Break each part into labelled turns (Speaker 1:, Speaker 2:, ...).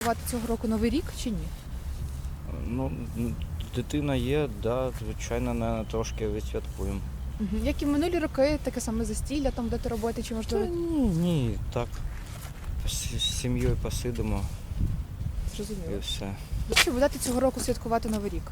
Speaker 1: Святкувати цього року Новий рік чи ні?
Speaker 2: Ну, дитина є, да, звичайно, не трошки відсвяткуємо.
Speaker 1: Як і минулі роки, таке саме застілля, там будете робити, чи
Speaker 2: Та
Speaker 1: можливо
Speaker 2: ні, так. З сім'єю посидимо і
Speaker 1: зрозуміло.
Speaker 2: все.
Speaker 1: Чи будете цього року святкувати Новий рік?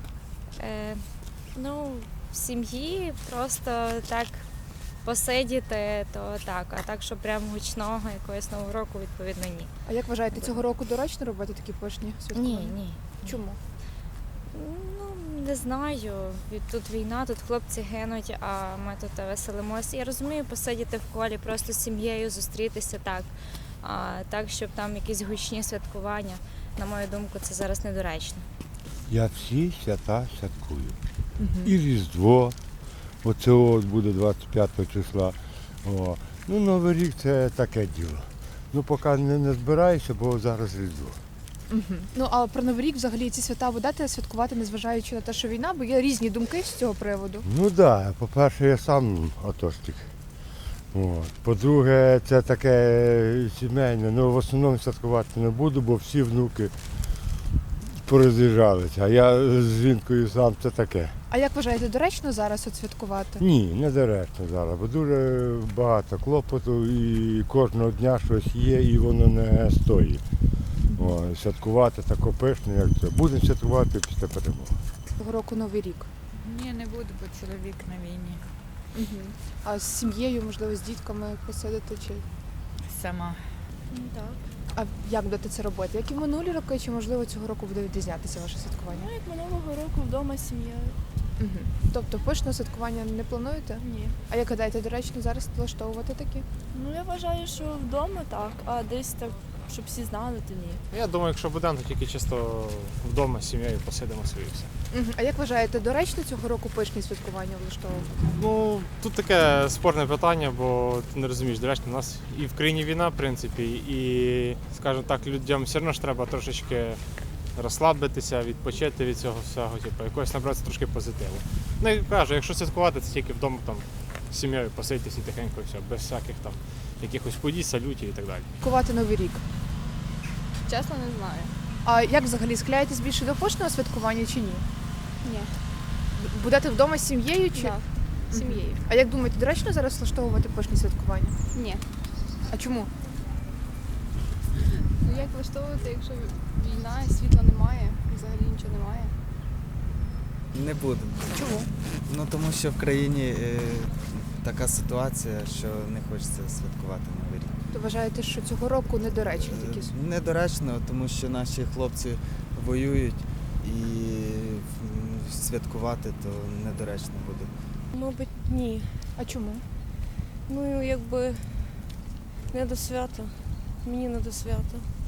Speaker 3: Ну, в сім'ї просто так посидіти, то так. А так, що прям гучного якогось нового року, відповідно, ні.
Speaker 1: А як вважаєте, цього року доречно робити такі пишні святкування?
Speaker 3: Ні.
Speaker 1: Чому?
Speaker 3: Ну, не знаю. Тут війна, тут хлопці гинуть, а ми тут веселимося. Я розумію, посидіти в колі, просто з сім'єю зустрітися так. А так, щоб там якісь гучні святкування, на мою думку, це зараз недоречно.
Speaker 4: Я всі свята святкую. І Різдво, оце от буде 25 числа. О. Ну, Новий рік це таке діло. Ну, поки не збираюся, бо зараз Різдво.
Speaker 1: Ну, а про Новий рік взагалі ці свята будете святкувати, незважаючи на те, що війна, бо є різні думки з цього приводу.
Speaker 4: Ну так, да. По-перше, я сам атошник. От. По-друге, це таке сімейне. Ну, в основному святкувати не буду, бо всі внуки пороз'їжджалися. А я з жінкою сам це таке.
Speaker 1: А як вважаєте, доречно зараз от святкувати?
Speaker 4: Ні, не доречно зараз, бо дуже багато клопоту і кожного дня щось є і воно не стоїть. О, святкувати тако пишно, як це. Будемо святкувати після перемоги.
Speaker 1: Цього року Новий рік.
Speaker 5: Ні, не буду, бо чоловік на війні.
Speaker 1: А з сім'єю, можливо, з дітками посидити чи.
Speaker 5: Сама.
Speaker 3: Так.
Speaker 1: А як будете це робити? Як і минулі роки, чи можливо цього року буде відрізнятися ваше святкування?
Speaker 6: Ну, як минулого року вдома з сім'єю.
Speaker 1: Тобто пишне святкування не плануєте?
Speaker 6: Ні.
Speaker 1: А як гадаєте, доречно зараз влаштовувати такі?
Speaker 6: Ну, я вважаю, що вдома так, а десь так, щоб всі знали, то ні.
Speaker 7: Я думаю, якщо будемо, то тільки чисто вдома з сім'єю посидимо собі і все.
Speaker 1: А як вважаєте, доречно цього року пишні святкування влаштовувати?
Speaker 7: Ну, тут таке спорне питання, бо ти не розумієш, доречно, у нас і в країні війна, в принципі, і, скажімо так, людям все одно ж треба трошечки розслабитися, відпочити від цього всього, типу, якось набратися трошки позитиву. Ну, і кажу, якщо святкувати, це тільки вдома там з сім'єю посидіти і тихенько, і все, без всяких там якихось подій, салютів і так далі.
Speaker 1: Святкувати Новий рік.
Speaker 6: Чесно, не знаю.
Speaker 1: А як взагалі склеїтесь більше до пишного святкування чи ні?
Speaker 6: Ні.
Speaker 1: Будете вдома з сім'єю чи?
Speaker 6: Так, з сім'єю.
Speaker 1: А як думаєте, доречно зараз влаштовувати пишні святкування?
Speaker 6: Ні.
Speaker 1: А чому?
Speaker 6: Ну, як влаштовувати, якщо війна, світла немає, взагалі нічого немає?
Speaker 8: Не буду.
Speaker 1: Чому?
Speaker 8: Ну тому що в країні така ситуація, що не хочеться святкувати Новий рік.
Speaker 1: То вважаєте, що цього року недоречні такі?
Speaker 8: Недоречно, тому що наші хлопці воюють і святкувати то недоречно буде.
Speaker 9: Мабуть, ні.
Speaker 1: А чому?
Speaker 9: Ну, якби не до свята. Мені не до свята.